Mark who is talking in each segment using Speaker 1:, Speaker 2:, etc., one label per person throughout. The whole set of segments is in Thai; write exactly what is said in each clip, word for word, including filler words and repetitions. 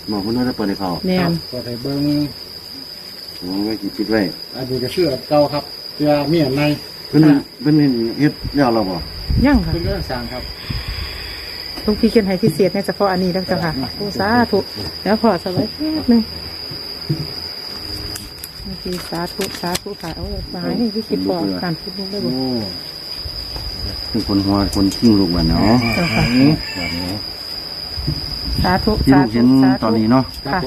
Speaker 1: หมอคนนั้นจะเปิดให้เขา
Speaker 2: แน่น
Speaker 3: เปิดให้เบิ้ง
Speaker 1: โอ้ไว้กินคิดไว้
Speaker 3: อันนี้ก็เชื่อเก่าครับเชื่อเมียใน
Speaker 1: เพิ่นเพิ่นเฮ็ดแล้วเราบ่
Speaker 2: ยังค่ะ
Speaker 3: เป็นเรื่องสร้างครับ
Speaker 2: ลูกพี่เขียนให้พิเศษเนี่ยเฉพาะอันนี้แล้วจ้ะค่ะโอ้สาธุแล้วพอสบายแป๊บนึงโอเคสาธุสาธุค่ะเอามาให้พี่คิดบอกการพูดลูกได้บ่
Speaker 3: โอ้
Speaker 1: เป็นคนหัวคนขิ้งลูกบัดเนาะ
Speaker 2: เจ้าค่ะ
Speaker 1: แบบนี้
Speaker 2: สาธุ
Speaker 1: ที่
Speaker 2: สา
Speaker 1: ลูก
Speaker 2: ธุ
Speaker 1: เห็น
Speaker 2: สา
Speaker 1: ตอน
Speaker 2: ธุ
Speaker 1: นี้เนาะ
Speaker 3: ครับ
Speaker 2: ค่ะ
Speaker 3: ผม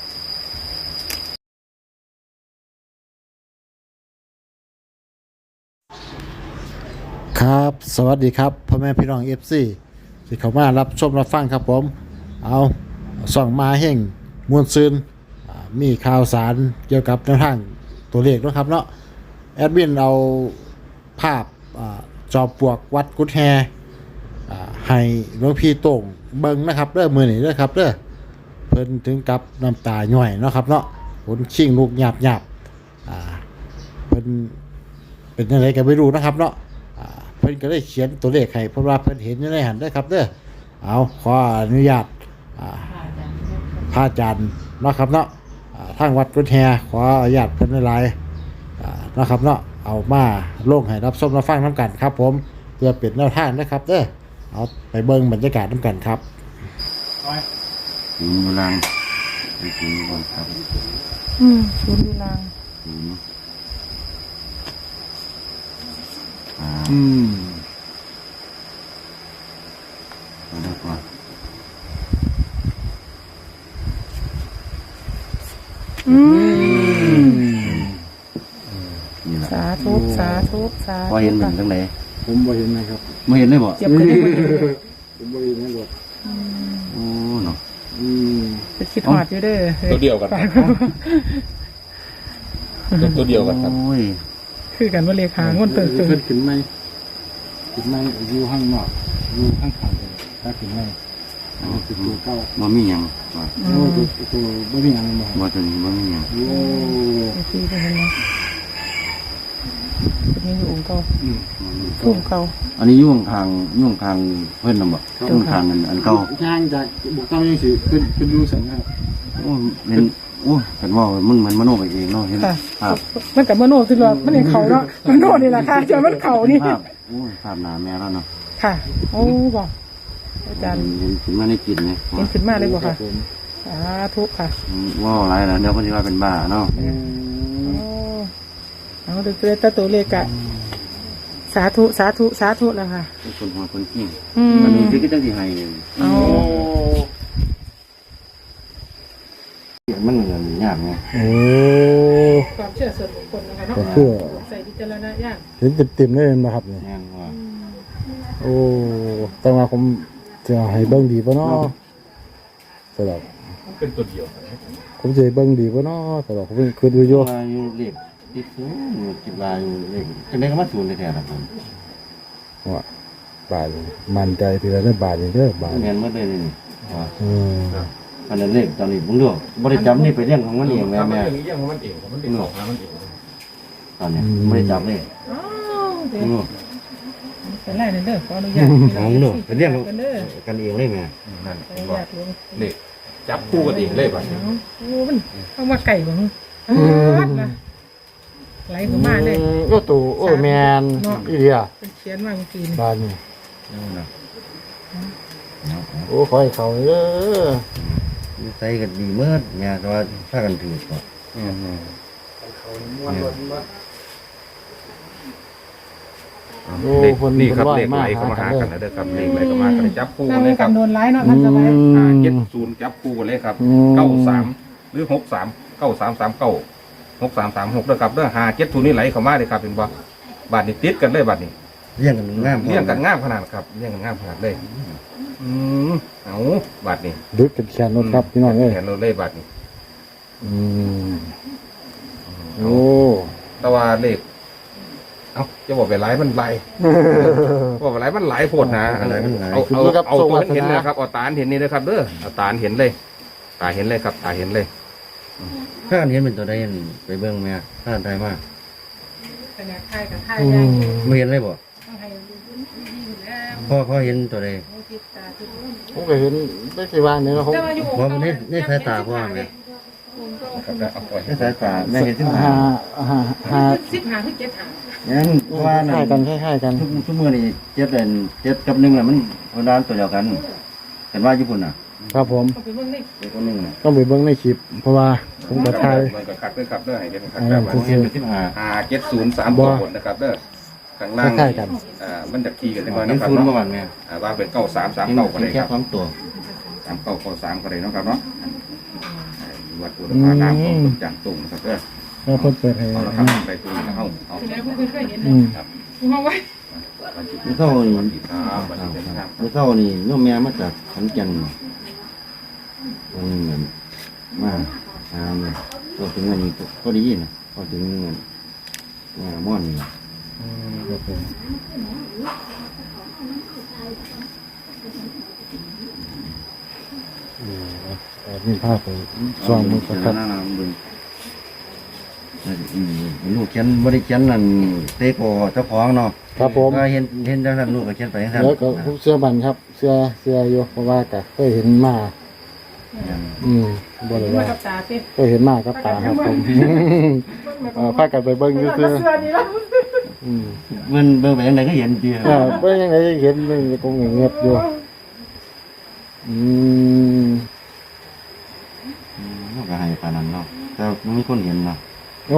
Speaker 3: ครับสวัสดีครับพ่อแม่พี่น้องเอฟซีที่เข้ามารับชมรับฟังครับผมเอาส่องมาแห่งมวลซืนอ่ามีข่าวสารเกี่ยวกับแนวทางตัวเลขนะครับเนาะแอดมินเอาภาพอ่าจอมปลวกวัดกุดแฮอ่าให้หลวงพี่โต่งเบิ่งนะครับเด้อมือนี้เด้อครับเด้อเพิ่นถึงกับน้ำตาหน่อยเนาะครับเนาะขนชิงลูกหยาบหยาบอ่าเพิ่นเป็นอะไรกันไม่รู้นะครับเนาะ เพิ่นก็ได้เขียนตัวเลขให้เพราะว่าเพิ่นเห็นอยู่ในหันได้ครับเด้อเอาขออนุญาตพระอาจารย์เนาะครับเนาะทางวัดกุฎแฮขออนุญาตเพิ่นหลายๆเนาะครับเนาะเอามาลงให้รับชมรับฟังน้ำกันครับผมเพื่อเป็นแนวทางนะครับเด้อเอาไปเบิ่งบรรยากาศน้ำกันครับ
Speaker 1: ถึงเวลาไปถึงก่อนครับ
Speaker 2: อืมศูนย์ดูลาง
Speaker 1: ถึงอ่า
Speaker 3: อืม
Speaker 1: เอาได้ก่อน
Speaker 2: อืม
Speaker 1: นี่แหละ
Speaker 2: สาธุสาธุสาธุ
Speaker 1: พอเห็นมันจังได
Speaker 3: ผมบ่เห็นนะครับ
Speaker 1: ไม่เห็นเลยบ่
Speaker 2: เจ็บกันได้หมดเลย
Speaker 3: ผมบ่เห็นนะครับ
Speaker 1: โอ้เนาะ
Speaker 3: อืม
Speaker 2: ไปคิดหอดอยู่เด้อ
Speaker 4: ตัวเดียวกันครับตัวเดียวกันครับ
Speaker 1: โอ้ย
Speaker 2: คือกันว่าเลขหางวนเติมเติม
Speaker 3: เพิ่นขึ้นไหมขึ้นไหมอยู่ข้างนอกอยู่ข้างข้างเลยถ้าขึ้นไหมอันนี้คือตัวเก่า
Speaker 1: บ่มีหยังว่า
Speaker 3: โอ้ตัวตัวบ่มีอะไรบ่
Speaker 1: บ่ตัวนี้บ่มีหยัง
Speaker 3: โอ้
Speaker 2: ไอ้ที่เป็นยังไงเป็นยังอยู่องค์เก่า
Speaker 3: อืม
Speaker 2: ทุ่มเก่า
Speaker 1: อันนี้ยุ่งทางยุ่งทางเพิ่นน่ะบ่ยุ่งทางอันอันเก่า
Speaker 3: ทางจากบุกเก้ายังสิขึ้นขึ้นรู้สันครับ
Speaker 1: โอ้เป็นโอ้กันว่ามันมันมโนไปเองเนาะเห็น
Speaker 2: ค่ะ
Speaker 1: ภาพ
Speaker 2: มันกับมโนติดหลอดมันเห็นเขาเนาะมโนนี่แหละค่ะเจอมันเขานี่
Speaker 1: ภาพโอ้ยภาพหนาแม่แล้วเนาะ
Speaker 2: ค่ะโอ้บอกอาจารย์
Speaker 1: เห็นขึ้นมาในจิตเนี่ย
Speaker 2: เห็นขึ้นมาเลยบอกค่ะ
Speaker 3: ผม
Speaker 2: สาธุค่ะ
Speaker 1: ว่าอะไรล่ะเดี๋ยวคนที่ว่าเป็นบ้าเนาะ
Speaker 3: อื
Speaker 2: โอ้
Speaker 3: ม
Speaker 2: เอาดูตัวตตัวเลขอะสาธุสาธุสาธุแล้วค่ะ
Speaker 1: เป็นคนหัวคนกิ้ง
Speaker 2: อืม
Speaker 1: มันมีที่ก็ต้องที่ให้
Speaker 2: เอา
Speaker 3: โอ้
Speaker 1: มันเหมือนยากไง
Speaker 3: โอ้
Speaker 2: ความเชื่อส่วนบุคคลนะคะเนาะ
Speaker 3: ก็คือ
Speaker 2: ใส่พิจารณญาณ
Speaker 3: เห็นเต็มๆเลยนะครับเนี่ย
Speaker 1: แน่นว่า
Speaker 3: โอ้แต่ว่าผมจะให้เบิ่งดีป่ะเนาะสำหรับ
Speaker 4: เป็นตัวเดียวกัน
Speaker 3: ผมจะให้เบิ่งดีป่ะเนาะสำหรับผมคือดูอยู่
Speaker 1: ว่าอยู่เล็กติดสูงอยู่จิตลายอยู่เล็กจะได้ก็มาสูนแท้ๆครับผม
Speaker 3: ว่าบาทมันใจทีละได้บาทอย่างเด้อบาท
Speaker 1: เงินเมื่อได้เลยนี่ว่า
Speaker 3: อืม
Speaker 1: อันนั้นเล็กตอนนี้ผมเลือกบริจำนี่ไปเรื่องของมันเองแม่
Speaker 4: ทำ
Speaker 1: แม่
Speaker 4: เรื่องนี้ยังมันเองมันเองออกมามันเอง
Speaker 1: ตอนนี้บริจำเลย
Speaker 2: อ้าวเดี๋ยว
Speaker 1: อืม
Speaker 2: เป็นไรนั่นเด้อขออนุญาต
Speaker 1: ของหนูเป็นเรื่อง
Speaker 2: กันเด้อ
Speaker 1: กันเองเลยแม่
Speaker 4: นั่น
Speaker 2: ขออนุ
Speaker 4: ก็
Speaker 2: ญาตหลวง
Speaker 4: เด็กจับคู่กันเองเลยป่ะ
Speaker 2: เอาโอ้มันเอามาไก่บ่ฮึอ้าวนะไหลเข้ามาเลย
Speaker 3: โอ้ตู่โอ้แมนอีเดีย
Speaker 2: เป็นเขียนมาเมื่อกี้นี่
Speaker 3: บาทนี่
Speaker 1: นะ
Speaker 3: โอ้ขอให้เขาเด้อ
Speaker 1: ใส่กันดีเมื่อแม่ก็ว่าถ้ากันถือก่อนอืม
Speaker 4: เด็กนี่ครับเด็กไหลเข้ามาหากันนะเด้อครับเด็กไหลเข้ามากันจับคู่
Speaker 2: นั่ง
Speaker 4: เลยค
Speaker 2: กั
Speaker 4: รั
Speaker 2: น
Speaker 4: บ
Speaker 2: โดนไล่เนาะท่านสบาย
Speaker 4: อ่าเจ็ดศูนย์จับคู่กันเลยครับเก้าสามหรือหกสามเก้าสามสามเก้าหกสามสามหกด้วยครับเด้อหาเจ็ดศูนย์นี่ไหลเข้ามาเลยครับเป็นบ่บาทนี้ติดกันเลยบาทนี้
Speaker 1: เลี้ยงกันงาม
Speaker 4: เลี้ยงกันง่ามขนาดครับเลี้ยงกันง่ามขนาดเลยอืมเอาบาทนี้
Speaker 3: ดึกกันแขนรถครับพี่น้องเอ้ย
Speaker 4: แขนเราเลยบาทนี้
Speaker 3: อืมโอ้
Speaker 4: แต่ว่าเลขเอ้าจะบอกไปหลายมันหลายบอกไปหลายมันหลายโพดนะอะไรมันเอาเอาเอาตัวเห็นนะครับเอาตาเห็นนี่นะครับเด้อเอาตาเห็นเลย ตาเห็นเลยครับตาเห็นเลย
Speaker 1: ถ้าอันเห็นเป็นตัวใดไปเบิ่งแม่ถ้าอันใดมาก
Speaker 2: ขนาดไทยกับไทย
Speaker 3: อื
Speaker 2: ยัง
Speaker 3: ม
Speaker 1: ไม่เห็นเลยบ่
Speaker 2: ต้องให้ดูดีอยู่แล้ว
Speaker 1: พ่อพ่อเห็นตัวใด
Speaker 2: โอเค
Speaker 3: ผมก็เห็นได้กี่วันนี้แล้วผม
Speaker 1: เพราะมันนี่นี่สายตาพ่อไง
Speaker 4: ครับได้เอาปล่อย
Speaker 1: นี่สายตาแม่เห็นที่
Speaker 3: หา
Speaker 1: หา
Speaker 3: หาหา
Speaker 2: สิบหาถึงเจ็ดหา
Speaker 1: งั้นเพราะว่า
Speaker 3: คล้ายกันคล้ายๆกัน
Speaker 1: ทุกทุกมือนี่เจ็ดเดือนเจ็ดกับหนึ่งแหละมันคนร้านตัวเดียวกันเห็นว่าญี่ปุ่นอ่ะ
Speaker 3: ครับผม
Speaker 2: เอาไปเบิ่งใน
Speaker 1: เจ็ดกับหนึ่งน่ะ
Speaker 3: ต้องไปเบิ่งในคลิป เพราะว่าผมก็ถ่าย
Speaker 4: มันก็คัดด้วยครับเด้อให้เห็นคัด
Speaker 3: อ่า
Speaker 4: แบบ
Speaker 1: ผม
Speaker 4: ว่า
Speaker 1: เห็นเป็นที่หา
Speaker 4: ห้าเจ็ดศูนย์สามตัวบนนะครับเด้อข้างล่าง
Speaker 3: คล้ายๆกัน
Speaker 4: อ่ามันจะขี่กันได้ไหม
Speaker 1: เห็
Speaker 4: นะ
Speaker 1: น
Speaker 4: ครับ
Speaker 1: ศูนย์เมื่อ
Speaker 4: เนาะ
Speaker 1: วานเนี่ย
Speaker 4: อ่าว่าเป็นเก้าสามสาม
Speaker 1: เห็น
Speaker 4: เก้าก็ได้
Speaker 1: แค่
Speaker 4: ครับ
Speaker 1: สองตัว
Speaker 4: สามเก้าเก้าสามก็ได้เนาะครับเนาะอ่าวัดอุณหภูมิน้ำของต้นจางตุ่มนะครับเด้อ
Speaker 3: ก็เพิ่นเปิดให้
Speaker 4: เอาละครับไปตุ่มนะเอาเอา
Speaker 2: ที่ไหนเพิ่นเคยเห็น
Speaker 3: อืม
Speaker 2: มาไว้
Speaker 1: นี่เข้านี่
Speaker 4: ครับสวัสดีครับ
Speaker 1: นี่เข้านี่โยมแม่มาจากขอนแก่นตรงนี้เหมือนมาหาเนี่ยก็ถึงวันนี้ก็ดีนะก็ถึงเงินงานม่อนนี่
Speaker 3: ครับผมอืมเอานี่ภาพไปส่องมือสักครับ
Speaker 1: หน้าๆมึงอืมลูกเขียนบริเขียนนั่นเตโกเจ้าของเนาะ
Speaker 3: ครับผม
Speaker 1: ก็เห็นเห็นจังนั้นลูกก็เขียนไปจังนั้น
Speaker 3: แล้วก็ผมเสื้อบันครับ เสื้อเสื้ออยู่เพราะว่าก็เคยเห็นมา อืมบ่เลย
Speaker 2: มา
Speaker 3: ว่า
Speaker 2: กับตาเต้
Speaker 3: เคยเห็นมากับตาครับผมเออพากันไปเบิ่งซื่อ
Speaker 2: เสื้อนี่แล้ว
Speaker 3: ๆอืม
Speaker 1: มันเบิ่งไปยังไงก็เห็นดี
Speaker 3: เออเบิ่งยังไงเห็นมันก็งเงียบอยู่อืม
Speaker 1: มันก็ให้ปานนั้นเนาะแต่มันมีคนเห็นเนาะ
Speaker 3: โอ้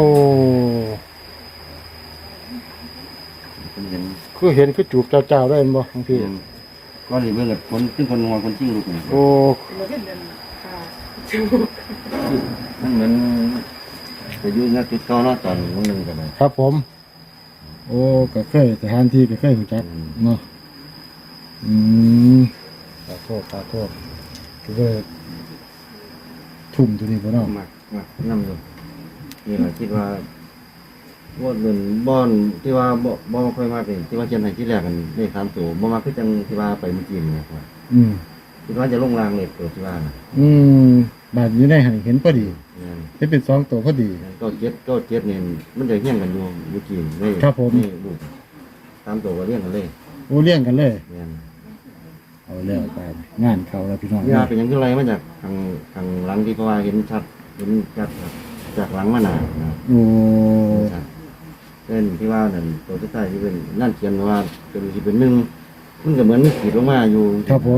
Speaker 1: คนเห็น
Speaker 3: คือเห็นคือจูบเจ้าๆได้บ่บางที
Speaker 1: เห็นก็เลยเบิ่งกับคนซึ่งคนงอคนจริงลูกนี่
Speaker 3: โอ้
Speaker 2: เราเห็นเดินค่ะ
Speaker 1: มันเหมือนไปอยู่ณจุดเก่าเนาะตอนมื้อนึงก็ได้
Speaker 3: ครับผม โอ้ก็เคยสถานที่ก็เคยรู้จักเนาะอืมขอโทษขอโทษคือว่าทุ่มตัวนี้บ่เนาะ
Speaker 1: มักมักนำอยู่นี่ล่ะคิดว่าบ่เดินบ่อนที่ว่าบ่บ่ค่อยมาเป็นที่ว่าเขียนให้ที่แรกกันเลขสามตัวบ่มาคือจังที่ว่าไปเมื่อกี้นี่ครับ
Speaker 3: อืม
Speaker 1: คิดว่าจะลงรางเลขตัวที่ว่าน่ะ
Speaker 3: อืมบาดอยู่ในหันเห็นพอดี
Speaker 1: เนี่ย
Speaker 3: เห็นเป็นสองตัวพอดี
Speaker 1: ก็เจ็ดก็เจ็ดเนี่ยมันจะเฮี้ยงกันอยู่อยู่กี่เลย
Speaker 3: ครับผม
Speaker 1: นี่ลูกตามตัวก็เลี้ยงกันเลย
Speaker 3: โอ้เลี้ยงกันเลย
Speaker 1: เนี่ย
Speaker 3: เอาแล้วไปงานเขาแล้วพี่น้อง
Speaker 1: เวลาเป็นอยังที่ไรมาจากทางทางหลังที่เพราะว่าเห็นชัดเห็นชัดครับจากหลังมาหนานะ
Speaker 3: โอ้
Speaker 1: เห็นชัดเช่นที่ว่านั่นตัวสุดท้ายที่เป็นนั่นเขียนว่าเป็นที่เป็นหนึ่งมันก็เหมือนมีขีดลงมาอยู่
Speaker 3: ครับผม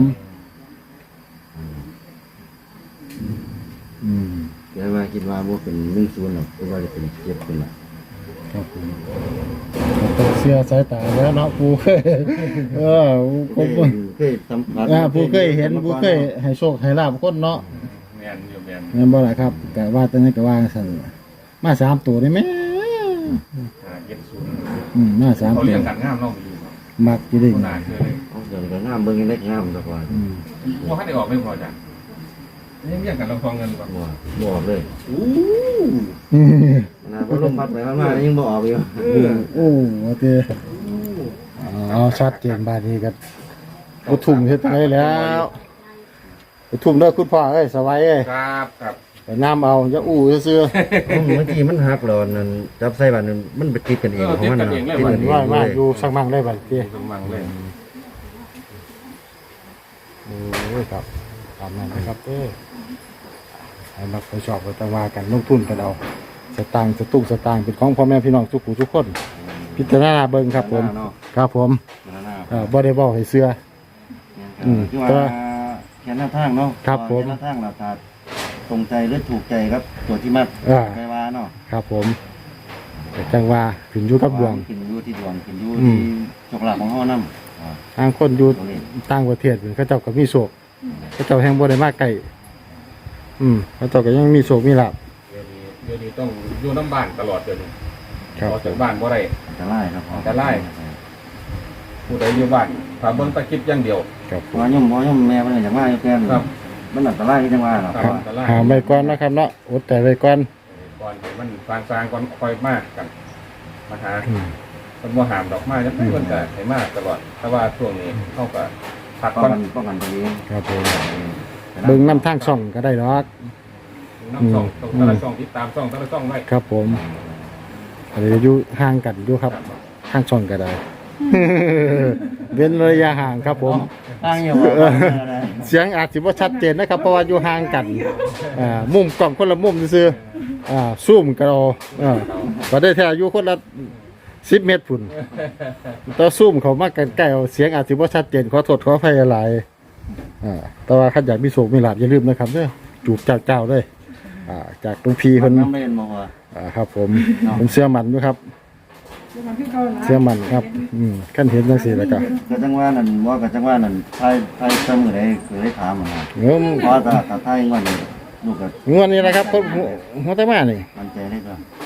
Speaker 3: อืม
Speaker 1: เดี๋ยวว่าคิดว่าว่าเป็นหนึ่งศูนย์หรอกคิดว่าจะเป็นเจ็ดเป็นหลัก
Speaker 3: ครับผมตกเสียสายตาแล้วเนาะปูเคยเออผ
Speaker 1: เค
Speaker 3: ม
Speaker 1: ยเคยสัมผัส
Speaker 3: อ่าปูเคยเห็นปูเคยให้โชคให้ลาบคนเนาะ
Speaker 4: แมนอยู่แมน
Speaker 3: แม่นบ่ล่ะครับกะว่าแตอนนั้นก็ว่าสั่นมาสามตัวได้ไหม
Speaker 4: ห้าเจ็ดศูนย์
Speaker 3: อืมมาสาม
Speaker 4: เขา
Speaker 3: ตั
Speaker 4: เรี
Speaker 3: วย
Speaker 4: งกันงามเนาะอยู่เนาะ
Speaker 3: มักอยู่ได้
Speaker 4: คนนานเลย
Speaker 1: เอาเดี๋ยวก็งามเบิ่งยังได้งามสักวัน
Speaker 3: อืม
Speaker 4: ว่าให้ได้ออกไม่พอจ้ะนี่เรียกกันลำทองเงินก่อน
Speaker 1: บ่บ่ออกเลย
Speaker 4: อู้
Speaker 3: อืม
Speaker 1: นะเพราะลมพัดไปมามายังบ่ออกอยู่
Speaker 3: โอ้โอเคเอาชัดเจนบาดนี้กันกูทุ่มเฮ็ดไงแล้วกูทุ่มเด้อคุณพ่อเอ้ยสบายเอ้ย
Speaker 4: ครับครับ
Speaker 3: ไปน้ำเอาอย่าอู้ซื่อ
Speaker 1: เมื่อกี้มันหักหลอนนั่นจับใส่บัตรนั่นมันไปติดกันเองของมันน่ะติดกันเอง
Speaker 3: ๆว่ามา
Speaker 1: เลย
Speaker 3: อยู่สักมั่งได้บัดเตี้ย
Speaker 4: สมังเลย
Speaker 3: โอ้ยครับตามนั้นนะครับเอ้ยให้มักไปชอบไปจังว่ากันลงทุนกันเอาสตางค์สตุ้งสตางค์เป็นของพ่อแม่พี่น้องทุกผู้ทุกคน พิจารณาเบิ่งครับผม
Speaker 1: เนาะ
Speaker 3: ครับผม
Speaker 1: พิจารณา
Speaker 3: เอ่อบ่ได้บอกให้เสื้อ อืม
Speaker 1: คือว่า
Speaker 3: แต่
Speaker 1: แค่หน้าทางเนาะ
Speaker 3: ครับผม
Speaker 1: แค่หน้าทางเราถ้าตรงใจหรือถูกใจครับ ตัวที่มัด
Speaker 3: อ่า
Speaker 1: ไปว่าเนาะ
Speaker 3: ครับผมแต่จังว่าขึ้นอยู่กับดวง
Speaker 1: กินอยู่ที่ดวงกินอยู่
Speaker 3: อื
Speaker 1: ที่
Speaker 3: ม
Speaker 1: โชคลาภของเฮานำอ่า
Speaker 3: ทางคนอยู่
Speaker 1: ตรงนี้
Speaker 3: ต่างประเทศเขาเจ้าก็มีโศกเขาเจ้าแห่งบ่ได้มาใกล้อืมเขาเจ้าก็ยังมีโศกมีลาภ
Speaker 4: เดี๋ยวนี้เดี๋ยวนี้ต้องอยู่น้ำบ้านตลอดเดี๋ยวนี้
Speaker 3: ครับ
Speaker 4: ออกจากบ้านบ่ได้
Speaker 1: อันตรายครับ
Speaker 4: อันตราย ผู้ใดอยู่บ้านถ้าเบิ่งตะคลิปอย่างเดียว
Speaker 3: ครับผ
Speaker 1: ว่าม ย่อมบ่ย่อมแม่มันอยากมาอยู่แก่น
Speaker 4: ครับ
Speaker 1: มันอันตรายที่จังว่าเนาะ
Speaker 4: ครับ อันตราย
Speaker 3: หาไว้ก่อนนะครับเนาะอดแต่ไว้ก่อน
Speaker 4: ก่อนให้มันฟางซางก่อนค่อยมากกันมาหา
Speaker 3: อืม
Speaker 4: คนบ่หามดอกไม้จะไม่คนก็ให้มากตลอดแต่ว่าช่วงนี้เขาก็พัก
Speaker 1: ป้อง
Speaker 4: ก่อน
Speaker 1: กันป้องกันตัวเอง
Speaker 3: ครับผมเบิ่งน้ำทางช่องก็ได้ดอก
Speaker 4: น้ำช่องต้องแต่ละช่องติดตามช่องแต่ละช่องไว้
Speaker 3: ครับผมอะไรอยู่ห่างกันอยู่ครับทางช่องก็ได้
Speaker 2: ม
Speaker 3: เว้นระยะห่างครับผม
Speaker 1: ตั้งอยู่ว่าอะไร
Speaker 3: เสียงอาจสิบ่ชัดเจนนะครับ เพราะว่าอยู่ห่างกันอ่ามุมกล้องคนละมุมซื่อๆอ่าซูมก็เอาอ่าก็ได้แท้อยู่คนละสิบเมตรพุ่นต่อซูมเขามากันใกล้เอาเสียงอาจสิบ่ชัดเจนขอโทษขออภัยหลายอ่าแต่ว่าคันอยากมีโชคมีลาภอย่าลืมนะครับเด้อจูบเจ้าๆเลยอ่าจากตรงพีเพิ่น
Speaker 1: น้ำเล่นมาว่า
Speaker 3: อ่าครับผมผมเสื้อมันด้วยครับเสื้อมันครับอืมขั้นเห็นจังซี่แล้วก็
Speaker 1: ก็จังว่านั่นว่าก็จังว่านั่นไทยไทยเสมอได้เคยได้ถามมา
Speaker 3: เงิม
Speaker 1: เพราะว่าถ้าถ้าไทยงอนนี่ลูกก็
Speaker 3: งวดนี้นะครับคนหัวหัวตะมานี่
Speaker 1: มันใจได้ก็